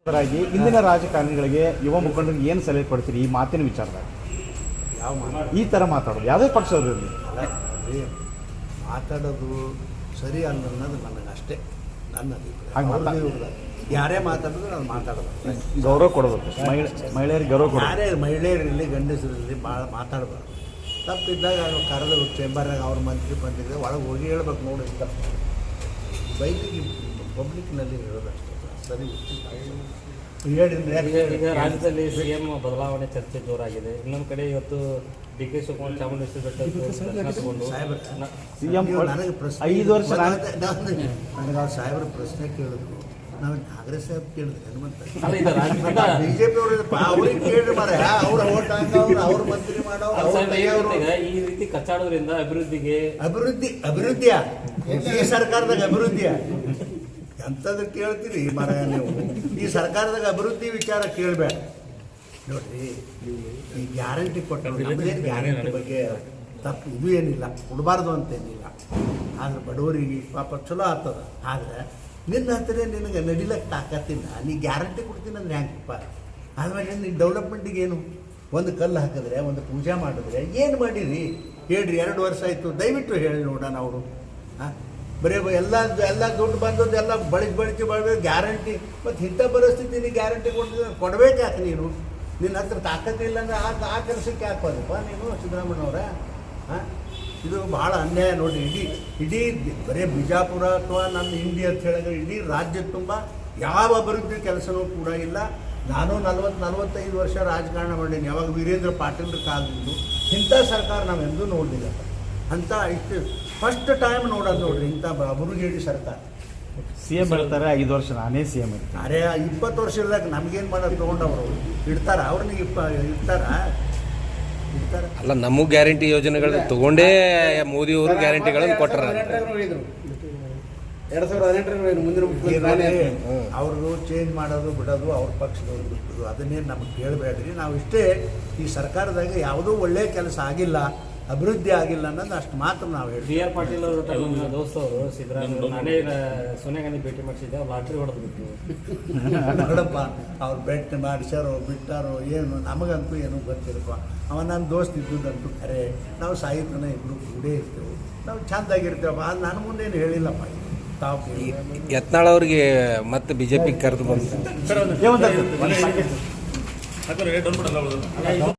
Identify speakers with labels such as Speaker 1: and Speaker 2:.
Speaker 1: ಇಂದಿನ ರಾಜಕಾರಣಿಗಳಿಗೆ ಯುವ ಮುಖಂಡರಿಗೆ ಏನು ಸಲಹೆ ಕೊಡ್ತೀರಿ ಈ ಮಾತಿನ ವಿಚಾರದಾಗ? ಈ ಥರ ಮಾತಾಡೋದು ಯಾವುದೇ ಪಕ್ಷದವರು ಇರಲಿ
Speaker 2: ಮಾತಾಡೋದು ಸರಿ ಅಲ್ಲ ಅನ್ನೋದು ನನಗೆ ಅಷ್ಟೇ ನನ್ನ
Speaker 1: ಹಾಗೆ
Speaker 2: ಯಾರೇ ಮಾತಾಡಿದ್ರು ನಾನು ಮಾತಾಡೋದು
Speaker 1: ಗೌರವ ಕೊಡಬೇಕು. ಮಹಿಳೆಯರಿಗೆ ಗೌರವ ಕೊಡಬೇಕು.
Speaker 2: ಯಾರೇ ಮಹಿಳೆಯರಿರಲಿ ಗಂಡಸರಿರಲಿ ಭಾಳ ಮಾತಾಡಬಾರ್ದು. ತಪ್ಪಿದ್ದಾಗ ಕರೆದು ಚೇಂಬರ್ನಾಗ ಅವ್ರ ಮಂತ್ರಿ ಬಂದಿದ್ದರೆ ಒಳಗೆ ಹೋಗಿ ಹೇಳ್ಬೇಕು ನೋಡಿ ತಪ್ಪು ಬೈಕಿಗೆ ಪಬ್ಲಿಕ್ನಲ್ಲಿ ಹೇಳೋದು ಅಷ್ಟೇ ಸರಿ.
Speaker 3: ಈಗ ರಾಜ್ಯದಲ್ಲಿ ಸಿಎಂ ಬದಲಾವಣೆ ಚರ್ಚೆ ಜೋರಾಗಿದೆ. ಇನ್ನೊಂದು ಕಡೆ ಇವತ್ತು ಡಿ ಕೆ ಶಿವಕುಮಾರ್ ಚಾಮುಂಡೇಶ್ವರಿ ಬೆಟ್ಟ ತಗೊಂಡು
Speaker 1: ಸಿಎಂ
Speaker 2: ನನಗೆ ಪ್ರಶ್ನೆ
Speaker 1: 5 ವರ್ಷ
Speaker 2: ನನಗೆ ಅವ್ರು ಸಾಹೇಬ್ರ ಪ್ರಶ್ನೆ ಕೇಳಿದ್ರು. ನಾವು ಕಾಂಗ್ರೆಸ್ ಸಾಹೇಬ್ ಕೇಳಿದ್ರೆ ಬಿಜೆಪಿ ಅವ್ರಿಗೆ ಕೇಳಿ ಮಾರ ಅವ್ರ ಓಟ್ ಹಾಕೋರು ಅವ್ರ ಮಂತ್ರಿ ಮಾಡೋ
Speaker 3: ಈ ರೀತಿ ಕಚ್ಚಾಡೋದ್ರಿಂದ
Speaker 2: ಅಭಿವೃದ್ಧಿಯ ಈ ಸರ್ಕಾರದಾಗ ಅಭಿವೃದ್ಧಿಯ ಎಂಥದ್ದು ಕೇಳ್ತೀರಿ ಮರ ನೀವು? ಈ ಸರ್ಕಾರದಾಗ ಅಭಿವೃದ್ಧಿ ವಿಚಾರ ಕೇಳಬೇಡ ನೋಡ್ರಿ. ಈ ಗ್ಯಾರಂಟಿ ಕೊಟ್ಟರು ನಮ್ಮದೇನು ಗ್ಯಾರಂಟಿ ಬಗ್ಗೆ ತಪ್ಪು ಇದು ಏನಿಲ್ಲ, ಕೊಡಬಾರ್ದು ಅಂತೇನಿಲ್ಲ. ಆದ್ರೆ ಬಡವರಿಗೆ ಪಾಪ ಚಲೋ ಆಗ್ತದ. ಆದರೆ ನಿನ್ನ ಹತ್ತಿರ ನಿನಗೆ ನಡಿಲಕ್ಕೆ ತಾಕತ್ತಿಲ್ಲ, ನೀ ಗ್ಯಾರಂಟಿ ಕೊಡ್ತೀನಿ ಅಂದ್ರೆ ಹ್ಯಾಂಗಪ್ಪ? ಆದ್ಮೇಲೆ ನೀನು ಡೆವಲಪ್ಮೆಂಟಿಗೆ ಏನು ಒಂದು ಕಲ್ಲು ಹಾಕಿದ್ರೆ ಒಂದು ಪೂಜೆ ಮಾಡಿದ್ರೆ ಏನು ಮಾಡಿರಿ ಹೇಳ್ರಿ? 2 ವರ್ಷ ಆಯಿತು, ದಯವಿಟ್ಟು ಹೇಳಿ ನೋಡೋಣ ಅವರು. ಹಾಂ ಬರೀ ಎಲ್ಲ ದುಡ್ಡು ಬಂದದ್ದು ಎಲ್ಲ ಬಳಸಿ ಗ್ಯಾರಂಟಿ. ಮತ್ತು ಇಂಥ ಪರಿಸ್ಥಿತಿ ನೀನು ಗ್ಯಾರಂಟಿ ಕೊಡಬೇಕು ಯಾಕೆ ನೀನು? ನಿನ್ನ ಹತ್ರ ತಾಕತ್ತಿಲ್ಲ ಅಂದರೆ ಆ ಕೆಲಸಕ್ಕೆ ಹಾಕೋದಪ್ಪ ನೀನು ಸಿದ್ದರಾಮಯ್ಯನವರ? ಹಾಂ ಇದು ಭಾಳ ಅನ್ಯಾಯ ನೋಡಿ. ಇಡೀ ಬರೀ ಬಿಜಾಪುರ ಅಥವಾ ನಮ್ಮ ಇಂಡಿಯಾ ಅಂತ ಹೇಳಿದ್ರೆ ಇಡೀ ರಾಜ್ಯ ತುಂಬ ಯಾವ ಅಭಿವೃದ್ಧಿ ಕೆಲಸನೂ ಕೂಡ ಇಲ್ಲ. ನಾನು 40-45 ವರ್ಷ ರಾಜಕಾರಣ ಮಾಡೀನಿ. ಯಾವಾಗ ವೀರೇಂದ್ರ ಪಾಟೀಲ್ರ ಕಾಲದಿಂದ ಇಂಥ ಸರ್ಕಾರ ನಾವೆಂದೂ ನೋಡಲಿಲ್ಲ ಅಂತ. ಇಷ್ಟು ಫಸ್ಟ್ ಟೈಮ್ ನೋಡೋದು ನೋಡ್ರಿ ಇಂಥ ಅಭಿವೃದ್ಧಿ ಸರ್ಕಾರ.
Speaker 1: ಸಿಎಂ ಹೇಳ್ತಾರೆ 5 ವರ್ಷ ನಾನೇ ಸಿಎಂ ಇರ್ತೀನಿ.
Speaker 2: ಅರೆ 20 ವರ್ಷ ಇಲ್ದಾಗ ನಮಗೇನು ಮಾಡೋದು ತೊಗೊಂಡವರು ಇಡ್ತಾರ? ಅವ್ರನ್ನ ಇರ್ತಾರ
Speaker 4: ಅಲ್ಲ, ನಮಗೂ ಗ್ಯಾರಂಟಿ ಯೋಜನೆಗಳು ತಗೊಂಡೇ ಮೋದಿ ಅವರು ಗ್ಯಾರಂಟಿಗಳನ್ನು ಕೊಟ್ಟರ.
Speaker 2: 2018 ಮುಂದಿನ ಅವ್ರದ್ದು ಚೇಂಜ್ ಮಾಡೋದು ಬಿಡೋದು ಅವ್ರ ಪಕ್ಷದವ್ರು ಬಿಟ್ಟರು, ಅದನ್ನೇನು ನಮಗೆ ಕೇಳಬೇಡ್ರಿ. ನಾವು ಇಷ್ಟೇ, ಈ ಸರ್ಕಾರದಾಗ ಯಾವುದೂ ಒಳ್ಳೆಯ ಕೆಲಸ ಆಗಿಲ್ಲ, ಅಭಿವೃದ್ಧಿ ಆಗಿಲ್ಲ ಅನ್ನೋದು ಅಷ್ಟು ಮಾತ್ರ ನಾವು ಹೇಳಿ.
Speaker 3: ಬಿ ಆರ್ ಪಾಟೀಲ್ ಅವರು ನಮ್ಮ ದೋಸ್ತವರು ಸಿದ್ದರಾಮಯ್ಯ ನಾನೇ ಸೋನಿಯಾ ಗಾಂಧಿ ಭೇಟಿ ಮಾಡಿಸಿದ್ದೆ. ಅವ್ರು ಲಾಟ್ರಿ ಹೊಡೆದು ಬಿಟ್ಟು
Speaker 2: ನೋಡಪ್ಪ, ಅವ್ರು ಬೆಟ್ ಮಾಡಿಸ್ಯಾರೋ ಬಿಟ್ಟಾರೋ ಏನು ನಮಗಂತೂ ಏನೂ ಗೊತ್ತಿರಪ್ಪ. ಅವ ನನ್ನ ದೋಸ್ತ ಇದ್ದುದಂತೂ ಖರೆ. ನಾವು ಸಾಹಿತ್ಯನ ಇಬ್ಬರು ಕೂಡೇ ಇರ್ತೇವೆ, ನಾವು ಚೆಂದಾಗಿರ್ತೇವಪ್ಪ. ಅದು ನನ್ನ ಮುಂದೇನು ಹೇಳಿಲ್ಲಪ್ಪ. ತಾವು
Speaker 4: ಯತ್ನಾಳ್ ಅವ್ರಿಗೆ ಮತ್ತೆ ಬಿಜೆಪಿ ಕರೆದು ಬಂದು